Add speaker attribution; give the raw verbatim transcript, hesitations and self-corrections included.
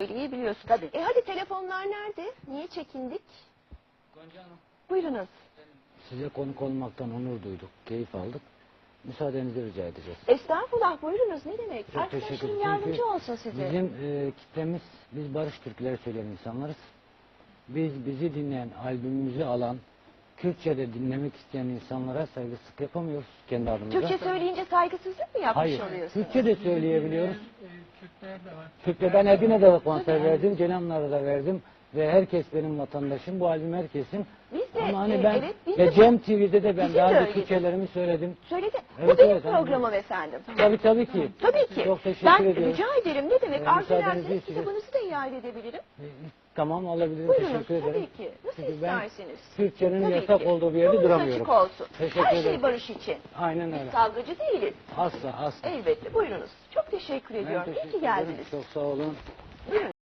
Speaker 1: söyleyebiliyorsun.
Speaker 2: Tabii.
Speaker 1: E hadi telefonlar nerede? Niye çekindik?
Speaker 3: Gonca Hanım.
Speaker 1: Buyurunuz.
Speaker 4: Size konuk olmaktan onur duyduk, keyif aldık. Müsaadenizi rica edeceğiz.
Speaker 1: Estağfurullah, buyurunuz, ne demek?
Speaker 4: Çok teşekkür
Speaker 1: Arkadaşlarım
Speaker 4: ederim.
Speaker 1: yardımcı
Speaker 4: Çünkü
Speaker 1: olsun size.
Speaker 4: Bizim e, kitlemiz, biz barış türküleri söyleyen insanlarız. Biz bizi dinleyen, albümümüzü alan, Kürtçe'de dinlemek isteyen insanlara saygısızlık yapamıyoruz kendi adımıza.
Speaker 1: Türkçe söyleyince saygısızlık mı yapmış
Speaker 4: Hayır,
Speaker 1: oluyorsunuz?
Speaker 4: Türkçe de söyleyebiliyoruz.
Speaker 3: Türkler de var.
Speaker 4: Türkçe ben Edirne'de de konser verdim, Cenanlar'da da verdim. Ve herkes benim vatandaşım, bu albüm herkesin.
Speaker 1: Biz de,
Speaker 4: Ama hani
Speaker 1: e,
Speaker 4: ben
Speaker 1: evet, biz
Speaker 4: ve
Speaker 1: de-
Speaker 4: Cem T V'de de ben
Speaker 1: Bizim
Speaker 4: daha
Speaker 1: de
Speaker 4: önce
Speaker 1: öyle.
Speaker 4: Türkçelerimi söyledim.
Speaker 1: Söyledi.
Speaker 4: Evet,
Speaker 1: Bu benim
Speaker 4: evet, anladım.
Speaker 1: programım efendim.
Speaker 4: Tabii tabii ki.
Speaker 1: Tabii ki.
Speaker 4: Çok teşekkür
Speaker 1: ben
Speaker 4: ediyorum.
Speaker 1: rica ederim. Ne demek?
Speaker 4: Ee,
Speaker 1: Arzu
Speaker 4: müsaadenizi
Speaker 1: ederseniz
Speaker 4: isteyeceğiz.
Speaker 1: kitabınızı da iade edebilirim.
Speaker 4: Ee, Tamam, alabilirim.
Speaker 1: Buyurunuz,
Speaker 4: Teşekkür ederim.
Speaker 1: tabii ki. Nasıl
Speaker 4: Çünkü ben
Speaker 1: isterseniz.
Speaker 4: Türkçenin
Speaker 1: Tabii
Speaker 4: yasak
Speaker 1: ki.
Speaker 4: olduğu bir yerde
Speaker 1: Yolunuz
Speaker 4: duramıyorum.
Speaker 1: açık olsun.
Speaker 4: Teşekkür
Speaker 1: Her şey
Speaker 4: ederim.
Speaker 1: barış için.
Speaker 4: Aynen
Speaker 1: Biz
Speaker 4: öyle.
Speaker 1: kavgacı değiliz.
Speaker 4: Asla asla.
Speaker 1: Elbette. Buyurunuz. Çok teşekkür
Speaker 4: Ben
Speaker 1: ediyorum. İyi
Speaker 4: teşekkür
Speaker 1: ki
Speaker 4: ederim.
Speaker 1: geldiniz.
Speaker 4: Çok sağ olun.